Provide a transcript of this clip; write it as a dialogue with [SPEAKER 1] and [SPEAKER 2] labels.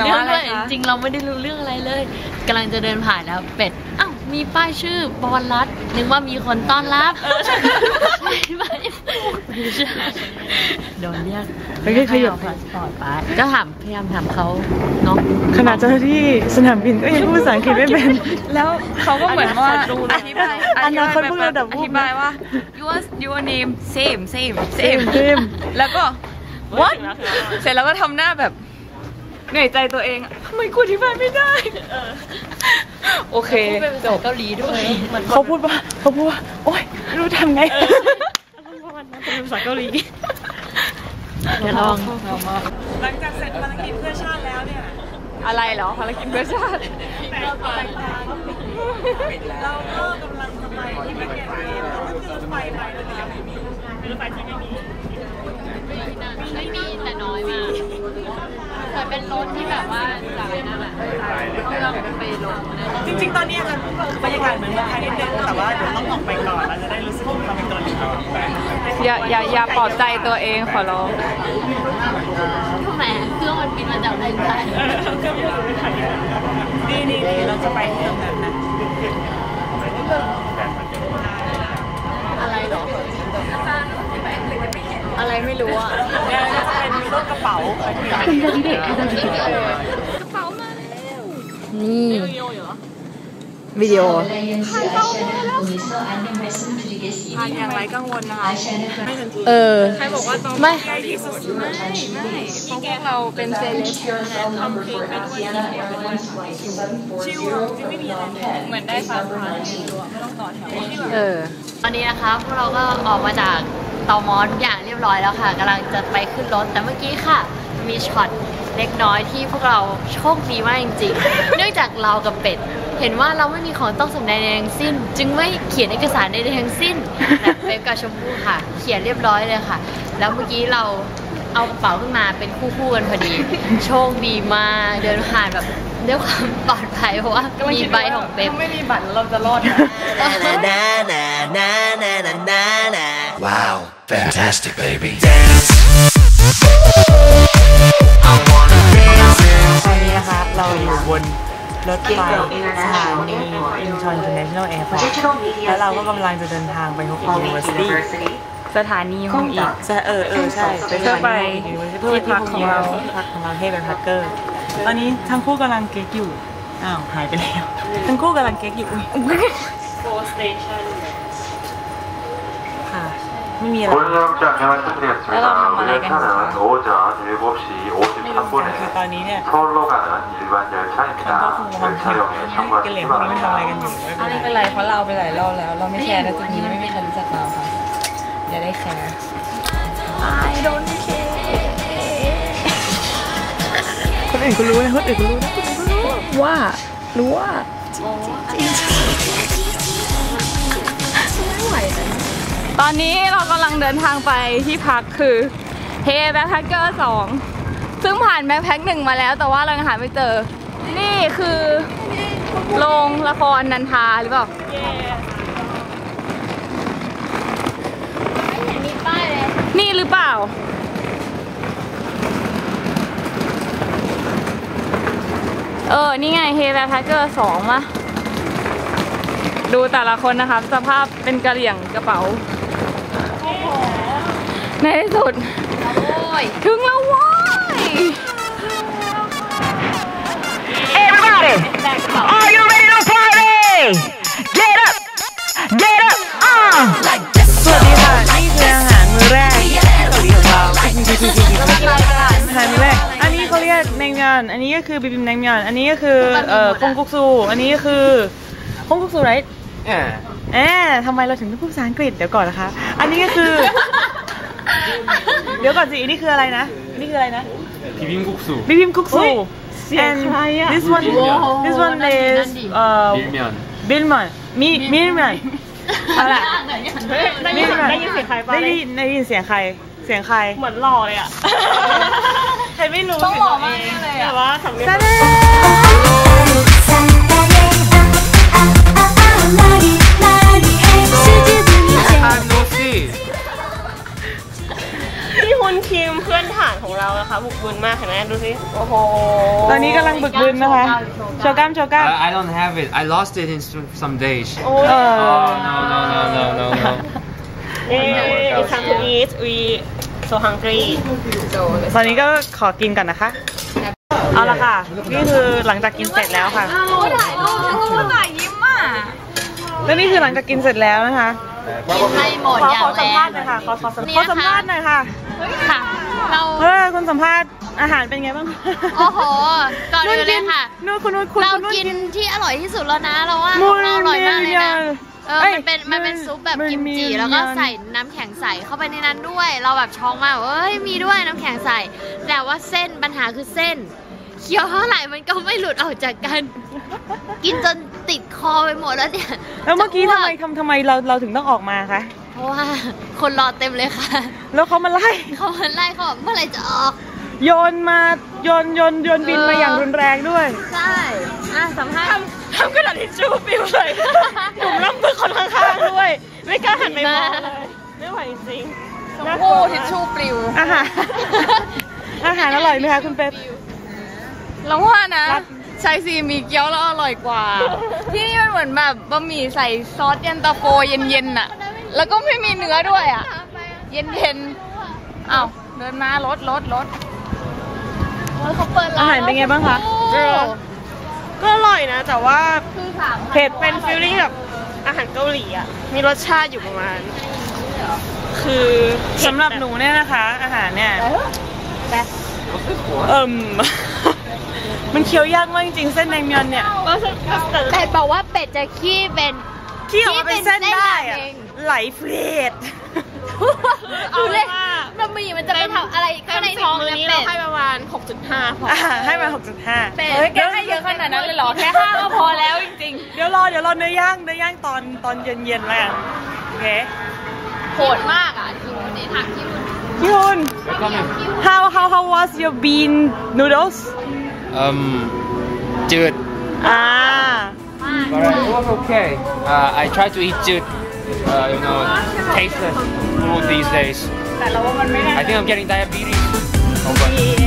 [SPEAKER 1] เรื่องด้วยจริงเราไม่ได้รู้เรื่องอะไรเลยกำลังจะเดินผ่านแล้วเป็ดอ้าวมีป้ายชื่อบอลรัฐนึกว่ามีคนต้อนรับโดนเรียกให้เอาพาสปอร์ตไปก็พยายามถามเขาเนาะ
[SPEAKER 2] ขนาดเจ้าหน้าที่สนามบินก็ยังพูดภาษาอังกฤษไม่เป็น
[SPEAKER 3] แล้วเขาก็เหมือนว่าอธิบายว่า your name same แล้วก็ what เสร็จแล้วก็ทำหน้าแบบเหนื่อยใจตัวเองทำไมกูอธิบายไม่ได้โอเค
[SPEAKER 1] จบเกาหลีด้วย
[SPEAKER 2] เขาพูดว่าโอ๊ยไม่รู้ทำไง
[SPEAKER 1] ภาษาเกาหลี
[SPEAKER 2] อย่าลอง
[SPEAKER 3] หลังจากเสร็จภารกิจเพื่อชาติแล้วเนี่ยอะไรเหรอภารกิจเพื่อชาติเราก็กำลังจะไปที่ประเทศจีนแล้วก็คือไฟไปแล้วเนี่ยรถไฟที่ไม่มี
[SPEAKER 1] แต่น้อยมากแต่เป็นรถที่แบบว่าจากนั่นแหละเราไปลง
[SPEAKER 3] จริงๆตอนนี้จะบรรยากาศเหมือนเมืองไทยนิดนึงแต่ว่าเดี๋ยวต้องออกไปก่อนเราจะได้รู้สึกความเป็นตัวเองอย่าปลอบใจตัวเองขอร้อง
[SPEAKER 1] ทำไมเครื่องมันบินมาจากเมืองไทย
[SPEAKER 3] เครื่องบินมาจากเมืองไทยนี่เราจะไปเมืองนั้นนะ
[SPEAKER 1] อะไรหรออะไรไม่รู้อ่ะ
[SPEAKER 3] เนี่ยจะเป็นรถกระเป๋ากระเป๋ามาแล้ว
[SPEAKER 1] นี่วิดีโอ
[SPEAKER 3] ผ่านอย่างไรกังวลนะคะใครบอกว่าต้อง
[SPEAKER 1] ไม่
[SPEAKER 3] ที่สุดไม่เพราะพวกเราเป็นเซเลบทำเพลงไปด้วยชิวไม่มีอะไรเหมือนได้ฟังไม่ต้องต่อแถว
[SPEAKER 1] ตอนนี้นะคะพวกเราก็ออกมาจากตม.ทุกอย่างเรียบร้อยแล้วค่ะกำลังจะไปขึ้นรถแต่เมื่อกี้ค่ะมีช็อตเล็กน้อยที่พวกเราโชคดีมากจริงๆเนื่องจากเรากับเป็ดเห็นว่าเราไม่มีของต้องสำแดงใดทั้งสิ้นจึงไม่เขียนเอกสารใดทั้งสิ้นแต่เป็ดกับชมพู่ค่ะเขียนเรียบร้อยเลยค่ะแล้วเมื่อกี้เราเอากระเป๋าขึ้นมาเป็นคู่กันพอดีโชคดีมากเดินผ่านแบบด้วยความปลอดภัยเพราะว่ามีใบของเป็ด
[SPEAKER 3] ถ้าไม่มีบัตรเราจะรอด
[SPEAKER 4] ว้าว fantastic baby
[SPEAKER 2] ตอนนี้นะคะเราอยู่บนรถไฟสถานีอินชอน International Airport แล้วเราก็กำลังจะเดินทางไปฮกอิน University
[SPEAKER 3] สถานีฮงอีก
[SPEAKER 2] ใช่ใช่ไปสถานีเพื่อพักของเราให้เป็นพักเกอร์ตอนนี้ทั้งคู่กำลังเก๊กอยู่อ้าวหายไปแล้วทั้งคู่กำลังเก๊กอยู่
[SPEAKER 3] 4 station
[SPEAKER 2] ค่ะไม่มีอะไร
[SPEAKER 3] แล้วเราทำอะไรกัน
[SPEAKER 2] คือตอนนี้เนี่ยมันก็คงวางแผนกันเหลี่ยมพวกนี้มันทำอะไรกันอยู่
[SPEAKER 3] ไม่เป็นไรเพราะเราไปหลายรอบแล้วเราไม่แคร์นะจุดนี้ไม่มีใครรู้จักเราค่ะอย่าได้แคร์ I don't care
[SPEAKER 2] คนอื่นก็รู้นะคนอื่นก็รู้นะ
[SPEAKER 3] ว่ารู้ว่าตอนนี้เรากำลังเดินทางไปที่พักคือเฮแบ็คแพคเกอร์2ซึ่งผ่านแบ็คแพค1มาแล้วแต่ว่าเรายังหาไม่เจอนี่คือโรงละครนันทาหรือเปล่า
[SPEAKER 1] ไม่เห็นมีป้ายเลย
[SPEAKER 3] นี่หรือเปล่านี่ไงเฮแบ็คแพคเกอร์2มาดูแต่ละคนนะครับสภาพเป็นกระเหลี่ยงกระเป๋าในที่สุดถึงแล้วว้าย
[SPEAKER 5] Everybody are you ready to party get up
[SPEAKER 2] สวัสดีค่ะนี่คืออาหารมื้อแรกอาหารมื้อแรกอันนี้เขาเรียกแนงยอนอันนี้ก็คือบิบิมแนงยอนอันนี้ก็คือคงกุกซูอันนี้ก็คือคงกุกซูไรทำไมเราถึงต้องพูดภาษาอังกฤษเดี๋ยวก่อนนะคะอันนี้ก็คือเดี๋ยวก่อนสิอันนี้คืออะไรนะนี่คืออะไรนะ
[SPEAKER 4] บิบิมกุกซู
[SPEAKER 2] and this one is 밀면อะไรได้ยินเสียงใครปะได้ยินเสียงใครเหมือนหล่อเลยอ่ะใครไม่รู้
[SPEAKER 3] ต้องหล่อมากเลยแต่ว่าสำเนียงที่ฮุนคิมเพื่อนฐาน
[SPEAKER 6] ของเรานะคะบุกบึนมากเห็นไหมดูสิโอ้โห
[SPEAKER 2] ตอนนี้กำลังบึกบึนนะคะโชว์กล้ามโชว์กล้าม
[SPEAKER 7] I don't have it. I lost it in some days.
[SPEAKER 6] โอ้ย
[SPEAKER 2] เออ
[SPEAKER 7] No.
[SPEAKER 6] it's time to eat we so hungry
[SPEAKER 2] ตอนนี้ก็ขอกินก่อนนะคะ เอาละค่ะ นี่คือหลังจากกินเสร็จแล้วค่ะ
[SPEAKER 3] ถ่ายรูปฉันก็ถ่ายยิ้มอ่ะ
[SPEAKER 2] แล้วนี่คือหลังจากกินเสร็จแล้วนะคะ
[SPEAKER 1] กินให้หมดอย่าง
[SPEAKER 2] ขอ
[SPEAKER 1] แร
[SPEAKER 2] สัม
[SPEAKER 1] ง
[SPEAKER 2] ภาษณ์หน่อยค่ะ ขอสัมภาษณ์หน่อยค่ะ
[SPEAKER 1] ค่ะ เรา
[SPEAKER 2] คุณสัมภาษณ์อาหารเป็นไงบ้าง
[SPEAKER 1] โอ้โห ก่อนอื่นเลยค่ะ
[SPEAKER 2] นู่นคุณนู่นคุณ
[SPEAKER 1] เรา
[SPEAKER 2] นู่น
[SPEAKER 1] กินที่อร่อยที่สุดแล้วนะ เราว่า
[SPEAKER 2] มู
[SPEAKER 1] ของ
[SPEAKER 2] น
[SPEAKER 1] เราอร่อยมากเลยนะ
[SPEAKER 2] เอ้ย
[SPEAKER 1] มันเป็นซุปแบบ
[SPEAKER 2] มัน
[SPEAKER 1] กิมจิ
[SPEAKER 2] มี
[SPEAKER 1] แล้วก็ใส่น้ำแข็งใสเข้าไปในนั้นด้วย เราแบบช็อกมากว่าเอ้ย มีด้วยน้ำแข็งใส แต่ว่าเส้นปัญหาคือเส้น เคี้ยวเท่าไหร่มันก็ไม่หลุดออกจากกัน กินจนติดคอไปหมดแล้วเนี่ย
[SPEAKER 2] แล้วเมื่อกี้
[SPEAKER 1] จะ
[SPEAKER 2] ทำไมเราถึงต้องออกมาคะ
[SPEAKER 1] เพราะว่าคนรอเต็มเลยค่ะ
[SPEAKER 2] แล้วเขามาไล่
[SPEAKER 1] เขามาไล่เขาบอกเมื่อไหร่จะออก
[SPEAKER 2] โยนบินมาอย่างรุนแรงด้วย
[SPEAKER 1] ใช่สัมภาษณ์
[SPEAKER 6] ทำกระดาษทิชชู่ปิวเลยหนุ่มร่ำมือคนข้างๆด้วย ไม่กล้าหันไปมองเลยไม่ไหวจริงๆน่ากลั
[SPEAKER 3] โอ้
[SPEAKER 6] ว
[SPEAKER 3] ทิชชู่ปลิว
[SPEAKER 2] อาหาร อาหารอร่อยไหมคะคุณเป็ด
[SPEAKER 3] เราว่านะชายซีมีเกี๊ยวแล้วอร่อยกว่า ที่นี่มันเหมือนแบบบะหมี่ใส่ซอสเย็นตาโฟเย็นๆน่ะ แล้วก็ไม่มีเนื้อด้วยอ่ะ เย็นๆอ้าวเดินมารถ
[SPEAKER 1] เขาเปิดร้าน
[SPEAKER 2] อาหารเป็นไงบ้างคะ
[SPEAKER 6] ก็อร่อยนะ แต่ว่า
[SPEAKER 2] เผ็ด
[SPEAKER 6] เป็นฟีลลิ่งแบบอาหารเกาหลีอ่ะ มีรสชาติอยู่ประมาณ คือ
[SPEAKER 2] สำหรับหนูเนี่ยนะคะ อาหารเนี่ย มันเคี้ยวยากมากจริงๆเส้นแนงเมียนเนี่ย
[SPEAKER 1] เป็ดบอกว่าเป็ดจะขี้เป็น
[SPEAKER 2] ที่ออกมาเป็นเส้นได้อะ
[SPEAKER 1] เอง
[SPEAKER 2] ไหลเฟรด
[SPEAKER 1] ดูเลยบะหมี่มันจะไปทำอะไรข้างในท้อง
[SPEAKER 6] มื้อ
[SPEAKER 1] นะ
[SPEAKER 6] นี้
[SPEAKER 1] เป็
[SPEAKER 6] เรา
[SPEAKER 1] ด
[SPEAKER 6] ให้ประมาณ 6.5 พอ
[SPEAKER 2] ให้มา 6.5
[SPEAKER 3] เฮ้ยแกให้เยอะขนาดนั้นเลยเหรอ แค่5ก็พอแล้วจริง
[SPEAKER 2] เดี๋ยวรอเนื้อย่างตอนเย็นๆแล้วกันโอเค
[SPEAKER 3] ๆโหดมากอ่ะ
[SPEAKER 1] คิวนี่ถามคิว
[SPEAKER 2] พี่ฮุน how was your bean noodles
[SPEAKER 7] Dude.
[SPEAKER 2] Ah.
[SPEAKER 7] But it was okay. I try to eat jut, tasteless food these days. I think I'm getting diabetes. Oh, but